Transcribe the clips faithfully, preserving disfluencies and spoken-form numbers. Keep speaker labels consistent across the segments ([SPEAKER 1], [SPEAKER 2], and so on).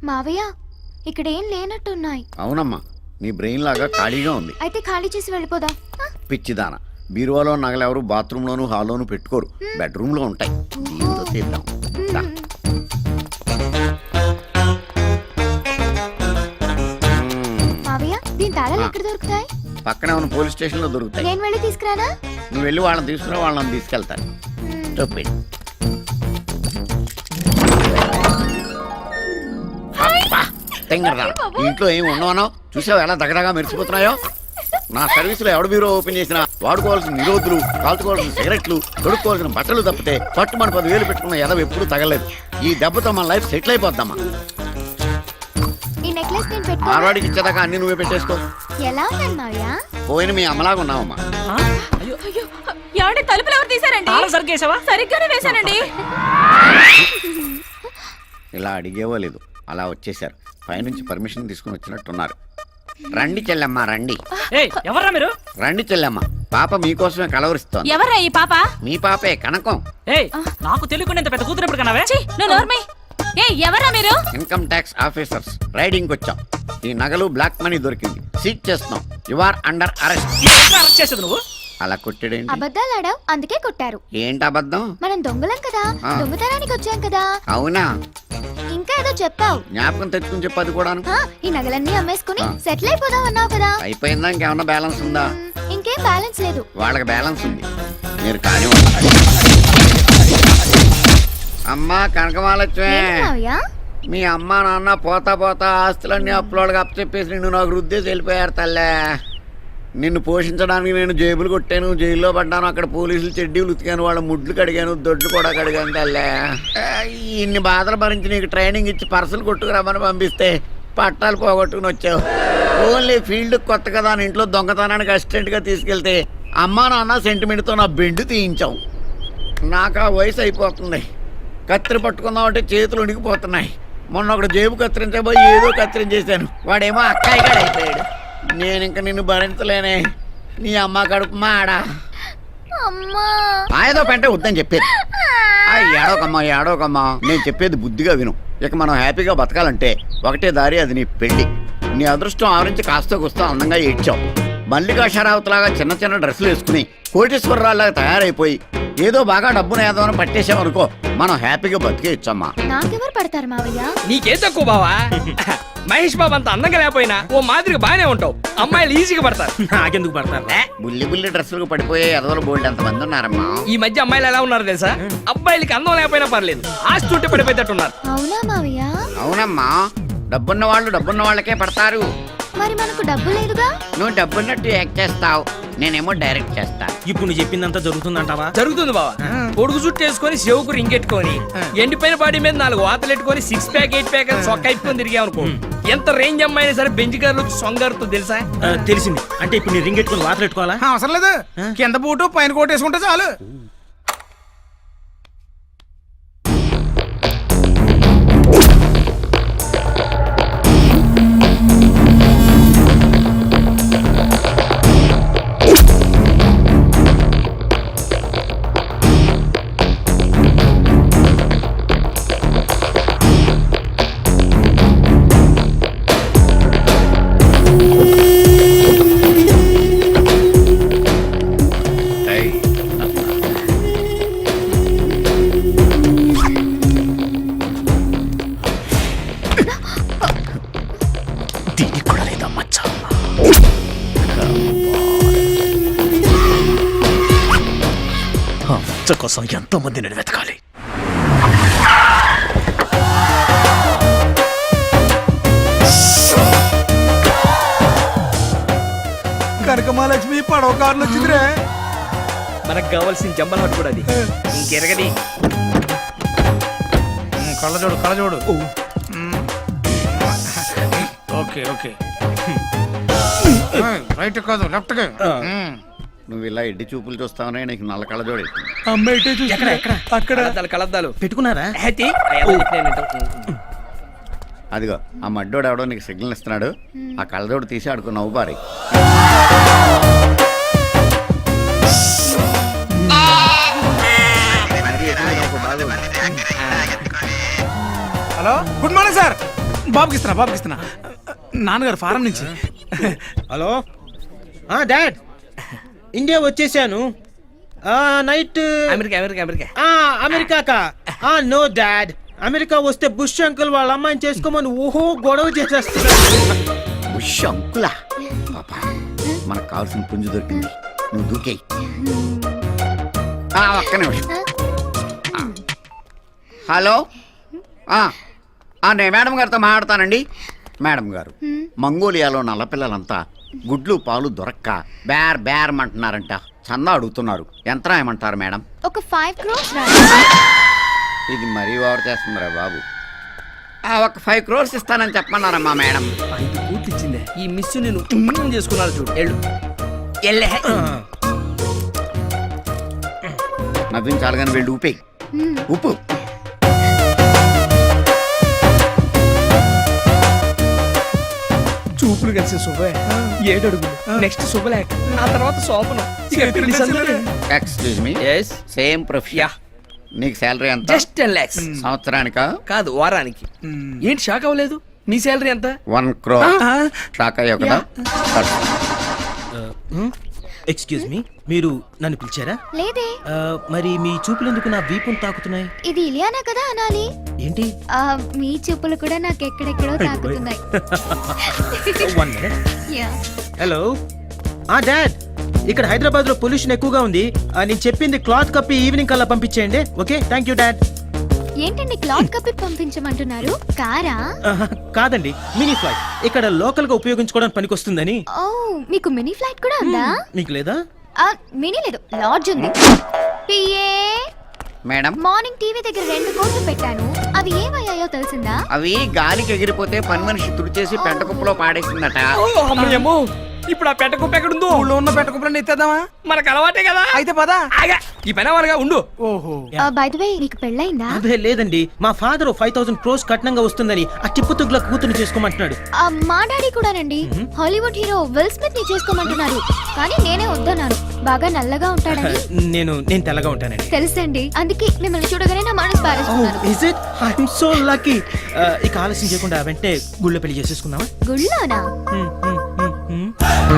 [SPEAKER 1] మావయ్య ఇక్కడ ఏం లేనట్టున్నాయి.
[SPEAKER 2] అవునమ్మా, నీ బ్రెయిన్ లాగా ఖాళీగా ఉంది.
[SPEAKER 1] అయితే ఖాళీ చేసి వెళ్ళిపోదా?
[SPEAKER 2] పిచ్చిదాన, బీరువాలో నగలెవరు బాత్రూంలోను హాల్లోను పెట్టుకోరు, బెడ్రూమ్ లో ఉంటాయి. దీంతో తీద్దాం. దా.
[SPEAKER 1] మావయ్య దీని తాళాలు ఎక్కడ దొరుకుతాయి?
[SPEAKER 2] పక్కనే ఉన్న పోలీస్ స్టేషన్ లో దొరుకుతాయి.
[SPEAKER 1] నేను వెళ్ళి తీసుకురానా?
[SPEAKER 2] నువ్వు వెళ్ళి వాళ్ళని తీసుకురా, వాళ్ళని తీసుకెళ్తాను. చెప్పండి. ఇంట్లో ఏమి ఉండవనో చూసావు, ఎలా దగ్గరగా మెరిసిపోతున్నాయో. నా సర్వీసులో ఎవడ బీరో ఓపెన్ చేసినా వాడుకోవాల్సిన నిరోధులు, కాల్చుకోవాల్సిన సిగరెట్లు, తొడుక్కోవాల్సిన బట్టలు తప్పితే పట్టు మన పది వేలు పెట్టుకున్న ఎదవ ఎప్పుడు తగలేదు. ఈ దెబ్బతో మన లైఫ్ సెటిల్ అయిపోద్దామా.
[SPEAKER 1] ఈ నెక్లెస్ నేను పెట్టుకో.
[SPEAKER 2] మార్వాడికి ఇచ్చేదాకా అన్ని నువ్వే పెట్టేసుకో.
[SPEAKER 1] ఎలా ఉన్నాను మావయ్య?
[SPEAKER 2] పోయిన మీ అమ్మలాగా ఉన్నావమ్మా.
[SPEAKER 3] తలుపులు ఎవరు తీసారండి? సరిగ్గానే వేశానండి.
[SPEAKER 2] ఇలా అడిగేవో లేదు, అలా వచ్చేసారు. పైనుంచి పర్మిషన్ తీసుకుని వచ్చినట్టున్నారు. రండి చెల్లెమ్మ, రండి.
[SPEAKER 4] ఎవరా మీరు?
[SPEAKER 2] రండి చెల్లెమ్మ, పాప మీకోసమే కలవరిస్తోంది.
[SPEAKER 3] ఎవరా ఈ పాప?
[SPEAKER 2] మీ పాపే, కనకం.
[SPEAKER 4] నాకు తెలియకుండా ఇంత పెద్ద కూతురు ఎప్పుడు కనవే?
[SPEAKER 3] ఎవరా మీరు?
[SPEAKER 2] ఇన్కమ్ ట్యాక్స్ ఆఫీసర్స్, రైడింగ్ వచ్చాం. ఈ నగలు బ్లాక్ మనీ దొరికింది, సీజ్ చేస్తున్నాం. You are under arrest.
[SPEAKER 4] Arrest చేసేది నువ్వు?
[SPEAKER 2] అలా కొట్టాడేంటి?
[SPEAKER 1] అబద్ధాలు ఆడావు, అందుకే కొట్టారు.
[SPEAKER 2] ఏంటి అబద్ధం?
[SPEAKER 1] మనం దొంగలం కదా, దొంగతనానికి వచ్చాం కదా.
[SPEAKER 2] అవునా?
[SPEAKER 1] ఇంకా ఏదో చెప్పావు.
[SPEAKER 2] జ్ఞాపకం తెచ్చుకుని చెప్పు. అది కూడా
[SPEAKER 1] ఈ నగలన్నీ అమ్మేసుకుని సెటిల్ అయిపోదాం అన్నావు కదా.
[SPEAKER 2] అయిపోయిందా? ఇంకేమన్నా బ్యాలెన్స్ ఉందా?
[SPEAKER 1] ఇంకేం బ్యాలెన్స్ లేదు.
[SPEAKER 2] వాళ్ళకి బ్యాలెన్స్ ఉంది, మీరు కానీ. అమ్మా కనకమాలక్ష్మి, మీ అమ్మ నాన్న పోతా పోతా ఆస్తులన్నీ అప్పులోకి అప్పచెప్పేసి నిన్ను నాకు రుద్దేసి వెళ్ళిపోయారు తల్లే. నిన్ను పోషించడానికి నేను జేబులు కొట్టాను, జైల్లో పడ్డాను. అక్కడ పోలీసులు చెడ్డీలు ఉతికాను, వాళ్ళ ముడ్లు కడిగాను, దొడ్లు కూడా కడిగాను తల్లే. ఇన్ని బాధలు భరించి నీకు ట్రైనింగ్ ఇచ్చి పర్సలు కొట్టుకురమ్మని పంపిస్తే పట్టాలు పోగొట్టుకుని వచ్చావు. ఓన్లీ ఫీల్డ్ కొత్త కదా అని ఇంట్లో దొంగతనానికి అసిస్టెంట్గా తీసుకెళ్తే అమ్మా నాన్న సెంటిమెంట్తో నా బెండు తీయించావు. నాకు ఆ వయసు అయిపోతుంది. కత్తిరి పట్టుకుందామంటే చేతులు ఉనికిపోతున్నాయి. మొన్న ఒకటి జేబు కత్తిరించబోయి ఏదో కత్తిరించేశాను, వాడేమో అక్కాయిగాడు అయిపోయాడు. నేను ఇంక నిన్ను భరించలేనే. నీ అమ్మ కడుపు మాడా. ఏదో పెంటే వద్దని చెప్పేది. ఏడోకమ్మా ఏడోకమ్మా, నేను చెప్పేది బుద్ధిగా విను. ఇక మనం హ్యాపీగా బతకాలంటే ఒకటే దారి, అది నీ పెళ్లి. నీ అదృష్టం ఆవరించి కాస్త కూస్తా అందంగా ఏడ్చావు. మల్లికా షరావతిలాగా చిన్న చిన్న డ్రెస్సులు వేసుకుని కోటేశ్వరరావులాగా తయారైపోయి ఏదో బాగా డబ్బును ఏదో పట్టేసామనుకో, మనం హ్యాపీగా బతికేయచ్చమ్మా.
[SPEAKER 1] నాకెవరు పడతారు మావయ్య?
[SPEAKER 4] నీకేం తక్కువ బావా? మహేష్ బాబు అంత అందంగా లేకపోయినా ఓ మాదిరిగా బాగానే ఉంటావు. అమ్మాయిలు ఈజీగా పడతారు. నాకెందుకు పడతారు?
[SPEAKER 2] బుల్లి బుల్లి డ్రెస్సులకు పడిపోయే ఎదవలు బోల్డ్ ఎంత మంది ఉన్నారమ్మా.
[SPEAKER 4] ఈ మధ్య అమ్మాయిలు ఎలా ఉన్నారు తెలుసా? అబ్బాయిలకి అందం లేకపోయినా పర్లేదు, ఆస్తి ఉంటే పడిపోయేటట్టున్నారు.
[SPEAKER 1] అవునా మావయ్య?
[SPEAKER 2] అవునమ్మా, డబ్బున్న వాళ్ళు డబ్బున్న వాళ్ళకే పడతారు.
[SPEAKER 1] మరి మనకు డబ్బు లేదుగా.
[SPEAKER 2] నువ్వు డబ్బున్నట్టు యాక్ట్ చేస్తావు, నేనేమో డైరెక్ట్ చేస్తా.
[SPEAKER 4] ఇప్పుడు నువ్వు చెప్పిందంతా జరుగుతుందంటావా? జరుగుతుంది బావా. పొడుగు చుట్టూ వేసుకొని చెవుకు రింగెట్టుకొని ఎండిపోయిన బాడీ మీద నాలుగు వాతలు ఎట్టుకొని సిక్స్ ప్యాక్ ఎయిట్ ప్యాక్ సొక్క అయిపోయి తిరిగామనుకో, ఎంత రేంజ్ అమ్మాయినా సరే బెంచ్ కార్లు సొంగారుతో తెలుసా? తెలిసింది. అంటే ఇప్పుడు నీ రింగ్ ఎట్టుకొని వాతలు ఎట్టుకోవాలా?
[SPEAKER 5] అవసరం లేదు, కింద బూటు పైన కోట్ వేసుకుంటే చాలు.
[SPEAKER 4] కోసం ఎంతో మందిని వెతకాలి.
[SPEAKER 5] కనకమాలక్ష్మి పడవ కార్లు వచ్చిందిరే.
[SPEAKER 4] మనకు కావాల్సిన జంబల్ హట్ కూడా అది. ఇంకెరగది.
[SPEAKER 5] కళ్ళజోడు కళ్ళజోడు. ఓకే ఓకే, రైట్ కాదు లెఫ్ట్.
[SPEAKER 2] నువ్వు ఇలా ఎడ్డి చూపులు చూస్తావనే నీకు నల్ల కళ్ళజోడు.
[SPEAKER 4] అక్కడ కలద్దాలు పెట్టుకున్నారా?
[SPEAKER 2] అదిగో ఆ మడ్డోడు ఎవడో నీకు సిగ్నల్ ఇస్తున్నాడు, ఆ కళ్ళజోడు తీసి ఆడుకో నవ్వు పారి.
[SPEAKER 5] Hello, good morning sir. బాబుకి ఇస్తున్నా బాబుకి ఇస్తున్నా నాన్నగారు ఫారం నుంచి.
[SPEAKER 6] హలో డాడ్, ఇండియా వచ్చేసాను. నైట్
[SPEAKER 4] అమెరికా అమెరికా అమెరికా
[SPEAKER 6] అమెరికాకా? నో డాడ్, అమెరికా వస్తే బుష్ అంకుల్ వాళ్ళ అమ్మాయిని చేసుకోమని ఓహో గొడవ చేసేస్తున్నారు.
[SPEAKER 2] ఉష్ అంకులా పాపా, మనకు కావాల్సిన పుంజు దొరికింది, నువ్వు దూకేయి. ఆ, ఒక్క నిమిషం. ఆ. హలో ఆ, ఆ, నేను మేడం గారితో మాట్లాడతానండి. మేడం గారు, మంగోలియాలో నల్లపిల్లలంతా గుడ్లు పాలు దొరక్క బేర్ బేర్ అంటున్నారంట. చందా అడుగుతున్నారు. ఎంత రాయమంటారు మేడం?
[SPEAKER 1] ఒక ఫైవ్ క్రోర్స్
[SPEAKER 2] ఇది మరీ ఓవర్ చేస్తుందిరా బాబు. ఆ, ఒక ఫైవ్ క్రోర్స్ ఇస్తానని చెప్పమన్నారమ్మా మేడం.
[SPEAKER 4] ఐదు కోట్లు ఇచ్చిందే. ఈ మిస్ నేను ఉమ్మ్ చేసుకున్నారు చూడు. ఎళ్ళు ఎల్లే.
[SPEAKER 2] నవ్వించాలి కానీ వెళ్ళి ఊపేయి. ఉప్పు
[SPEAKER 4] చూపులు కలిసి శుభే ఏడు అడుగులు. నెక్స్ట్ శుభలేఖ, ఆ తర్వాత శోభనం.
[SPEAKER 2] Excuse me, same profession. నీకు శాలరీ ఎంత?
[SPEAKER 4] Just ten lakhs.
[SPEAKER 2] సంవత్సరానికా?
[SPEAKER 4] కాదు, వారానికి. ఏంటి షాక్ అవ్వలేదు? మీ శాలరీ ఎంత?
[SPEAKER 2] వన్ క్రో. షాక్ అయ్యావు కదా.
[SPEAKER 6] ఎక్స్క్యూజ్ మీ, మీరు నన్ను పిలిచారా?
[SPEAKER 1] లేదే.
[SPEAKER 6] మరి మీ చూపులు ఎందుకు నా వీపును తాకుతున్నాయి?
[SPEAKER 1] ఇది ఇలియానా కదా అనాలి.
[SPEAKER 6] ఏంటి?
[SPEAKER 1] ఆ, మీ చెప్పులు కూడా నాకు ఎక్కడెక్కడో తాకుతున్నాయి.
[SPEAKER 6] One minute.
[SPEAKER 1] యా.
[SPEAKER 6] హలో ఆ డాడ్, ఇక్కడ హైదరాబాద్ లో పొల్యూషన్ ఎక్కువగా ఉంది. ఆ, నేను చెప్పింది క్లాత్ కప్పి ఈవినింగ్ కల్లా పంపించేయండి. Okay, thank you dad.
[SPEAKER 1] ఏంటండి క్లాత్ కప్పి పంపించమంటున్నారు? కారా?
[SPEAKER 6] ఆహా, కాదండి, మినీ ఫ్లైట్. ఇక్కడ లోకల్ గా ఉపయోగించుకోవడానికి పనికొస్తుందని.
[SPEAKER 1] ఓ, మీకు మినీ ఫ్లైట్ కూడా ఉందా?
[SPEAKER 6] మీకు లేదా?
[SPEAKER 1] ఆ, మినీ లేదు, లాడ్జ్ ఉంది. పిఏ
[SPEAKER 2] మేడం,
[SPEAKER 1] మార్నింగ్ టీవీ దగ్గర రెండు కోట్లు పెట్టాను. అవి ఏమయ్యాయో తెలిసిందా?
[SPEAKER 2] అవి గాలికి ఎగిరిపోతే పని మనిషి తుడిచేసి పెంట కుప్పలో పాడేసిందట.
[SPEAKER 4] అమ్మయ్యమ్మో, ఇప్పుడు ఆ పెట్ట కుప్ప ఎక్కడుందో?
[SPEAKER 5] ఊళ్ళో ఉన్న పెట్టుకుని ఎత్తేద్దామా?
[SPEAKER 4] మనకు అలవాటే కదా.
[SPEAKER 5] అయితే పదా.
[SPEAKER 4] ఆగా, ఈ పని వాళ్ళగా ఉండు.
[SPEAKER 5] ఓహో,
[SPEAKER 1] బై ద వే, నీకు పెళ్ళైందా?
[SPEAKER 6] అదే లేదండి, మా ఫాదర్ ఫైవ్ థౌసండ్ క్రోస్ కట్నంగా వస్తుందని ఆ టిప్పుతుగ్ల కూతురు చేసుకోమంటున్నాడు.
[SPEAKER 1] ఆ, మా డాడీ కూడానండి. హాలీవుడ్ హీరో విల్ స్మిత్ ని చేసుకోమంటున్నారు. కానీ నేనే వద్దన్నాను. బాగా నల్లగా ఉంటాడని.
[SPEAKER 6] నేను నేను తెల్లగా ఉంటానండి.
[SPEAKER 1] తెలుసండి, అందుకే మిమ్మల్ని చూడగానే నా మనసు పారేస్తున్నాను.
[SPEAKER 6] Is it? I am so lucky. ఇక ఆలస్యం చేయకుండా వెంటనే గుళ్ళో పెళ్లి చేసేసుకుందామా?
[SPEAKER 1] గుళ్ళోనా?
[SPEAKER 6] హ్మ్, హ్మ్, హ్మ్, హ్మ్.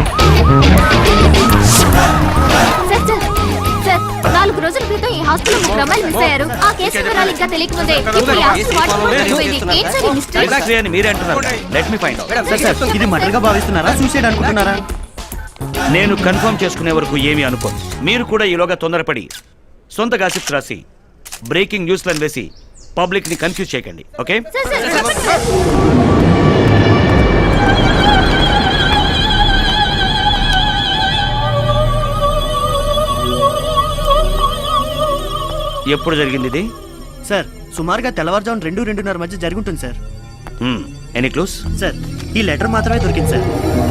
[SPEAKER 1] సార్, సార్, సార్, నాలుగు రోజుల క్రితం ఈ హాస్పిటల్ ముగ్గురు అమ్మాయిలు మిస్ అయ్యారు. ఆ కేసు వివరాలు ఇంకా తెలియకముందే ఇప్పుడు ఈ హాస్పిటల్ వాట్సాప్ అయిపోయింది. ఏంటి సార్ ఈ మిస్టరీ?
[SPEAKER 7] ఎగ్జాక్ట్లీ అని మీరే అంటున్నారు. Let me find out.
[SPEAKER 6] Sir, sir, ఇది మర్డర్ గా భావిస్తున్నారా, సూసైడ్ అనుకుంటున్నారా?
[SPEAKER 7] నేను కన్ఫర్మ్ చేసుకునే వరకు ఏమీ అనుకోను. మీరు కూడా ఈలోగా తొందరపడి సొంత గాసిప్స్ రాసి బ్రేకింగ్ న్యూస్లను వేసి పబ్లిక్ ని కన్ఫ్యూజ్ చేయకండి. ఓకే?
[SPEAKER 1] సార్, సార్, చెప్పండి సార్.
[SPEAKER 7] ఎప్పుడు జరిగింది ఇది?
[SPEAKER 8] సార్, సుమారుగా తెల్లవారుజామున రెండు రెండున్నర మధ్య జరుగుతుంది సార్.
[SPEAKER 7] Any clues?
[SPEAKER 8] సార్, ఈ లెటర్ మాత్రమే దొరికింది సార్.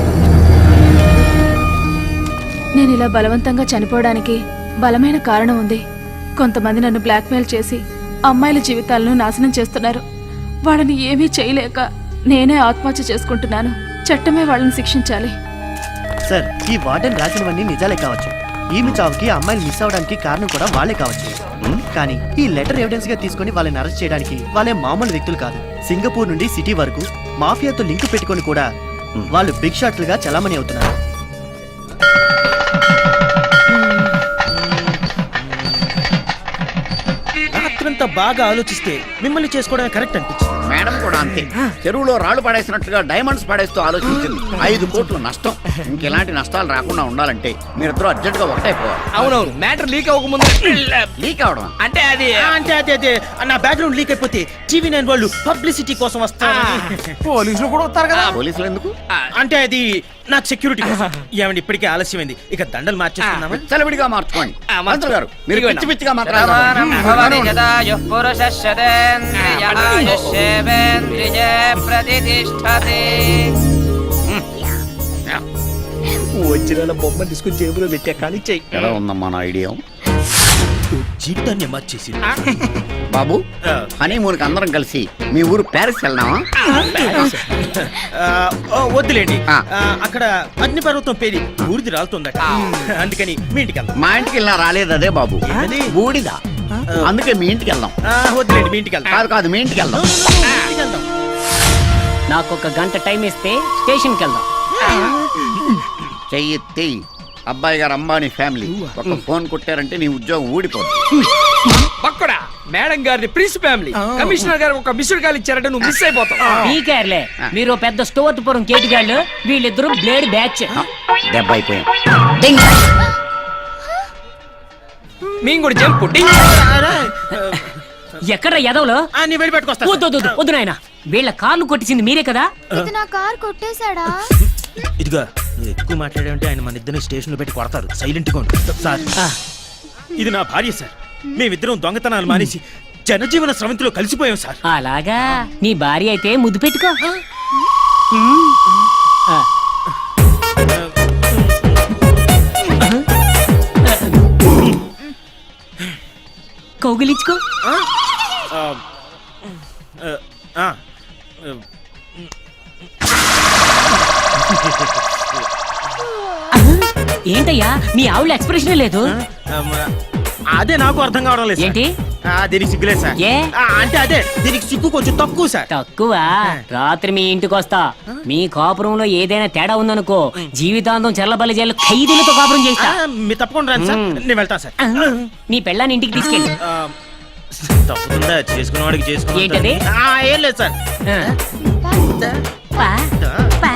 [SPEAKER 3] నేను ఇలా బలవంతంగా చనిపోవడానికి బలమైన కారణం ఉంది. కొంతమంది నన్ను బ్లాక్మెయిల్ చేసి అమ్మాయిల జీవితాలను నాశనం చేస్తున్నారు. వాళ్ళని ఏమీ చేయలేక నేనే ఆత్మహత్య చేసుకుంటున్నాను. చట్టమే వాళ్ళని శిక్షించాలి.
[SPEAKER 8] సార్, ఈ వార్డెన్ రాసినవన్నీ నిజాలే కావచ్చు. ఈమె చావుకి అమ్మాయిలు మిస్ అవడానికి కారణం కూడా వాళ్ళే కావచ్చు. కానీ ఈ లెటర్ ఎవిడెన్స్ గా తీసుకొని వాళ్ళని అరెస్ట్ చేయడానికి వాళ్ళే మామూలు వ్యక్తులు కాదు. సింగపూర్ నుండి సిటీ వరకు మాఫియాతో లింక్ పెట్టుకొని కూడా వాళ్ళు బిగ్ షాట్లుగా చలామణి అవుతున్నారు.
[SPEAKER 6] రాత్రంతా బాగా ఆలోచిస్తే మిమ్మల్ని చేసుకోవడం కరెక్ట్ అనిపించింది.
[SPEAKER 2] మేడం కూడా అంతే. చెరువులో రాళ్లు పడేసినట్టుగా డైమండ్స్ పడేస్తూ ఆలోచించింది. ఐదు కోట్లు నష్టం. ఇంకెలాంటి నష్టాలు రాకుండా ఉండాలంటే మీరిద్దరూ అర్జెంట్ గా ఒకటైపోవాలి.
[SPEAKER 4] అవునవును, మ్యాటర్ లీక్ అవ్వకముందు.
[SPEAKER 2] లీక్ అవడం
[SPEAKER 4] అంటే అది
[SPEAKER 6] ఆ, అంటే అదే అదే నా బ్యాక్గ్రౌండ్ లీక్ అయిపోతే టీవీ నైన్ వాళ్ళు పబ్లిసిటీ కోసం వస్తారు.
[SPEAKER 5] పోలీసులు కూడా వస్తారు కదా.
[SPEAKER 2] పోలీసులు ఎందుకు?
[SPEAKER 6] అంటే అది నాకు సెక్యూరిటీ కోసం. ఏమండి, ఇప్పటికే ఆలస్యమైంది, ఇక దండలు మార్చేస్తున్నామా?
[SPEAKER 2] చలవిడిగా మార్చుకోండి.
[SPEAKER 4] ఆ,
[SPEAKER 2] మంత్రులు గారు, మీరు
[SPEAKER 4] ఇదిగో
[SPEAKER 2] పిచ్చి పిచ్చిగా మాట్లాడారు.
[SPEAKER 4] వచ్చిన బొమ్మ తీసుకుని జేబులో పెట్టా. కానీ చెయ్యి
[SPEAKER 2] ఎలా ఉందమ్మా నా ఐడియా?
[SPEAKER 6] జీవితాన్ని మార్చేసి
[SPEAKER 2] బాబు, హనీమూన్కి అందరం కలిసి మీ ఊరు ప్యారిస్ వెళ్దామా?
[SPEAKER 6] వద్దులేండి,
[SPEAKER 2] ఆ.
[SPEAKER 6] ఆ, అక్కడ అగ్నిపర్వతం పేరి బూడిది రాలుతుందట. అందుకని మీ ఇంటికి వెళ్దాం.
[SPEAKER 2] మా ఇంటికి వెళ్ళినా రాలేదు అదే బాబు,
[SPEAKER 6] ఏంటది?
[SPEAKER 2] బూడిదా. అందుకే మీ ఇంటికి వెళ్దాం.
[SPEAKER 6] ఆ, వద్దులేండి, మీ ఇంటికి వెళ్దాం.
[SPEAKER 2] కాదు కాదు మీ ఇంటికి వెళ్దాం.
[SPEAKER 6] ఇంటికి వెళ్దాం.
[SPEAKER 9] నాకు ఒక గంట టైం ఇస్తే స్టేషన్కి వెళ్దాం.
[SPEAKER 2] చెయ్యి అబ్బాయి గారు అంబానీ ఫ్యామిలీ ఒక ఫోన్ కొట్టారంటే నీ ఉద్యోగం ఊడిపోతుంది.
[SPEAKER 4] పక్కడా మేడం గారిని ప్రిన్స్ ఫ్యామిలీ కమిషనర్ గారు ఒక మిస్డ్ కాల్ ఇచ్చారంటే నువ్వు మిస్ అయిపోతావు.
[SPEAKER 9] పీకేర్లే, మీరు ఓ పెద్ద స్టోర్పురం కేటిగాళ్ళు, వీళ్ళిద్దరూ బ్లేడ్ బ్యాచ్.
[SPEAKER 2] దెబ్బ అయిపోయాం.
[SPEAKER 4] మేము కూడా జంప్
[SPEAKER 9] ఎక్కడ ఎదవలో
[SPEAKER 6] ఆ, నీ వెళ్ళి పెట్టుకొస్తా
[SPEAKER 9] వద్దు వద్దు, వద్దు నాయన, వీళ్ళ కార్లు కొట్టించింది మీరే కదా.
[SPEAKER 1] ఇది నా కార్ కొట్టేశాడా?
[SPEAKER 6] ఇదిగా నువ్వు ఎక్కువ మాట్లాడావంటే ఆయన మన ఇద్దరిని స్టేషన్ లో పెట్టి కొడతారు. సైలెంట్ గా ఉండు సార్. ఇది నా భార్య సార్. మేమిద్దరం దొంగతనాలు మానేసి జనజీవన స్రవంతిలో కలిసిపోయాం సార్.
[SPEAKER 9] అలాగా, నీ భార్య అయితే ముద్దు పెట్టుకో. ఆ. కౌగిలించుకో.
[SPEAKER 6] ఆ, ఆ,
[SPEAKER 9] ఏంటయ్యా మీ ఆవిడ ఎక్స్ప్రెషన్ లేదు?
[SPEAKER 6] ఆ, అదే నాకు అర్థం కావడం లేదు సార్.
[SPEAKER 9] ఏంటి?
[SPEAKER 6] ఆ, దీనికి సిగ్గులేదు సార్.
[SPEAKER 9] ఏ?
[SPEAKER 6] ఆ, అంటే అదే దీనికి సిగ్గు కొంచెం తక్కువ సార్.
[SPEAKER 9] తక్కువ. రాత్రి మీ ఇంటికి వస్తా, మీ కాపురంలో ఏదైనా తేడా ఉందనుకో జీవితాంతం చెల్లబల్లి జైలు ఖైదీలతో కాపురం
[SPEAKER 6] ఆ,
[SPEAKER 9] చేస్తా.
[SPEAKER 6] మీరు తప్పకుండా రండి సార్. నేను వెళ్తాను సార్.
[SPEAKER 9] నీ పెళ్ళాన్ని ఇంటికి తీసుకెళ్ళి.
[SPEAKER 6] ఆ, తప్పుతుందా చేసుకున్న వాడికి చేసుకున్న
[SPEAKER 9] ఏంటది?
[SPEAKER 6] ఏం లేదు సార్.
[SPEAKER 9] పా, పా.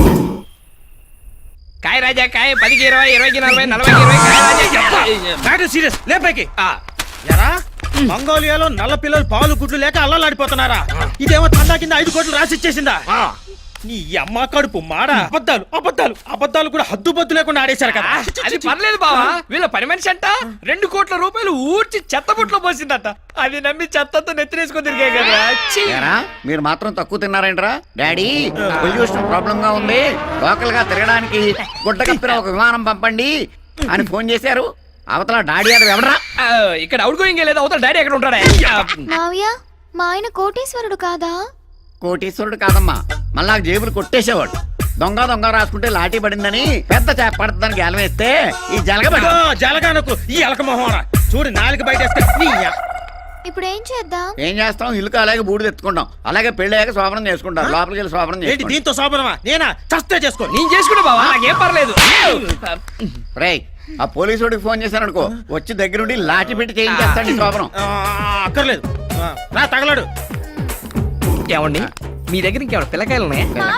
[SPEAKER 4] కాయ రాజా కాయ పదికి ఇరవై ఇరవైకి నలభై నలభైకి ఇరవై కాయ రాజా చెప్ప.
[SPEAKER 6] మ్యాటర్ సీరియస్ లేపైకి.
[SPEAKER 4] ఆ,
[SPEAKER 6] ఎరా మంగోలియాలో నల్ల పిల్లలు పాలు గుడ్లు లేక అల్లలాడిపోతున్నారా? ఇదేమో తండా కింద ఐదు కోట్లు రాసిచ్చేసిందా? నీ అమ్మ కడుపు మాడ. అబద్ధాలు అబద్ధాలు అబద్ధాలు కూడా హద్దు బద్దు లేకుండా ఆడేశారు కదా.
[SPEAKER 4] అది పర్లేదు బావా, వీళ్ళ పని మనిషి అంట రెండు కోట్ల రూపాయలు ఊడ్చి చెత్తబుట్లో పోసిందట. అది నమ్మి చెత్తతో నెత్తినేసుకొని తిరిగే కదా. ఛీ!
[SPEAKER 2] ఏరా, మీరు మాత్రం తక్కువ తిన్నారేంట్రా? డాడీ పొల్యూషన్ ప్రాబ్లం గా ఉంది, లోకల్ గా తిరగడానికి గుడ్డ కప్పిన ఒక విమానం పంపండి అని ఫోన్ చేశారు. అవతల డాడీ అది ఎవడరా?
[SPEAKER 4] ఆ, ఇక్కడ అవుట్ గోయింగ్ లేదు, అవతల డాడీ ఎక్కడ ఉంటాడా?
[SPEAKER 1] మావయ్య, మా ఆయన కోటీశ్వరుడు కాదా?
[SPEAKER 2] కోటీశ్వరుడు కాదమ్మా, మళ్ళా జేబులు కొట్టేసేవాడు. దొంగ దొంగ రాసుకుంటే లాఠీ పడిందని పెద్ద చేప పడుతుందని గేలం వేస్తే ఈ జలగబడి
[SPEAKER 6] జలగానకు ఈ ఎలక మొహరా చూడు నాలుగు బయట వేస్తే నీ అ-
[SPEAKER 1] ఇప్పుడు ఏం చేద్దాం?
[SPEAKER 2] ఏం చేస్తాం? ఇల్లు అలాగే బూడిద ఎత్తుకుంటాం, అలాగే పెళ్ళయ్యాక శోభనం చేసుకుంటాం. లోపలికి వెళ్ళి శోభనం
[SPEAKER 6] ఏంటి
[SPEAKER 2] చేసుకుంటాం.
[SPEAKER 6] దీంతో శోభనమా? నేనా చస్తే చేసుకో.
[SPEAKER 4] నేను చేసుకుంటా బావా, నాకేం పర్లేదు.
[SPEAKER 2] రేయ్, ఆ పోలీసుడికి ఫోన్ చేశాను అనుకో, వచ్చి దగ్గరుండి లాఠీ పెట్టి చేయించేస్తాడు ఈ శోభనం.
[SPEAKER 6] ఆ, అక్కర్లేదు. ఆ, రా తగలడు.
[SPEAKER 4] ఏమండి మీ దగ్గర ఇంకేమైనా పిల్లకాయలు ఉన్నాయా?